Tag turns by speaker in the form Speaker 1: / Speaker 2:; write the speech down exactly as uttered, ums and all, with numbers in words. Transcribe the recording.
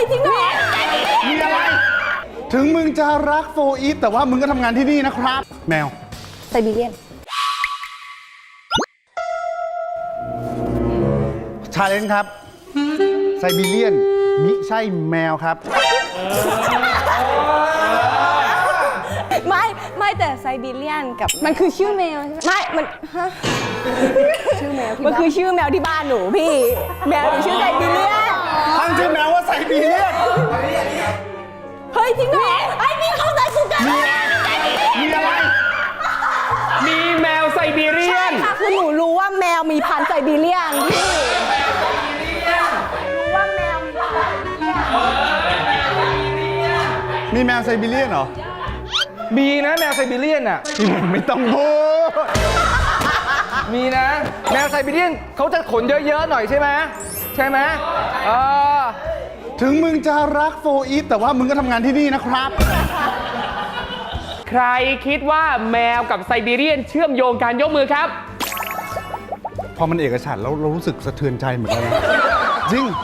Speaker 1: จริงเหรอ
Speaker 2: มีอะไรถึงมึงจะรักโฟอีฟแต่ว่ามึงก็ทำงานที่นี่นะครับแมว
Speaker 1: ไซบีเรียน
Speaker 2: ชาเลนจ์ครับไซบีเรียนมิใช่แมวครับ
Speaker 1: ไม่ไม่แต่ไซบีเรียนกับมันคือชื่อแมวใช่ไหมไม่มันฮะชื่อแมวมันคือชื่อแมวที่บ้านหนูพี่แมวหนูชื่อไซบีเรียน
Speaker 2: ตั้งชื่อแมวว่าไซบีเรียน
Speaker 1: เฮ้ยจริงเหรอไอ้นี่เข้าใจกูกัน
Speaker 2: มีอะไร
Speaker 3: มีแมวไซบีเรียน
Speaker 1: ค่ะคือหนูรู้ว่าแมวมีพันธุ์ไซบีเรียนพี่รู้ว่าแมวมีพันธุ์ไซบีเรียน
Speaker 2: มีแมวไซบีเรียนเหรอ
Speaker 3: มีนะแมวไซบีเรียนอ่ะ
Speaker 2: ไม่ต้องพูด
Speaker 3: มีนะแมวไซบีเรียนเขาจะขนเยอะๆหน่อยใช่ไหมใช่ไหมเออ
Speaker 2: ถึงมึงจะรักโฟอีฟแต่ว่ามึงก็ทำงานที่นี่นะครับ
Speaker 3: ใครคิดว่าแมวกับไซบีเรียนเชื่อมโยงการยกมือครับ
Speaker 2: พอมันเอกฉันท์แล้วเรารู้สึกสะเทือนใจเหมือนกันนะจริง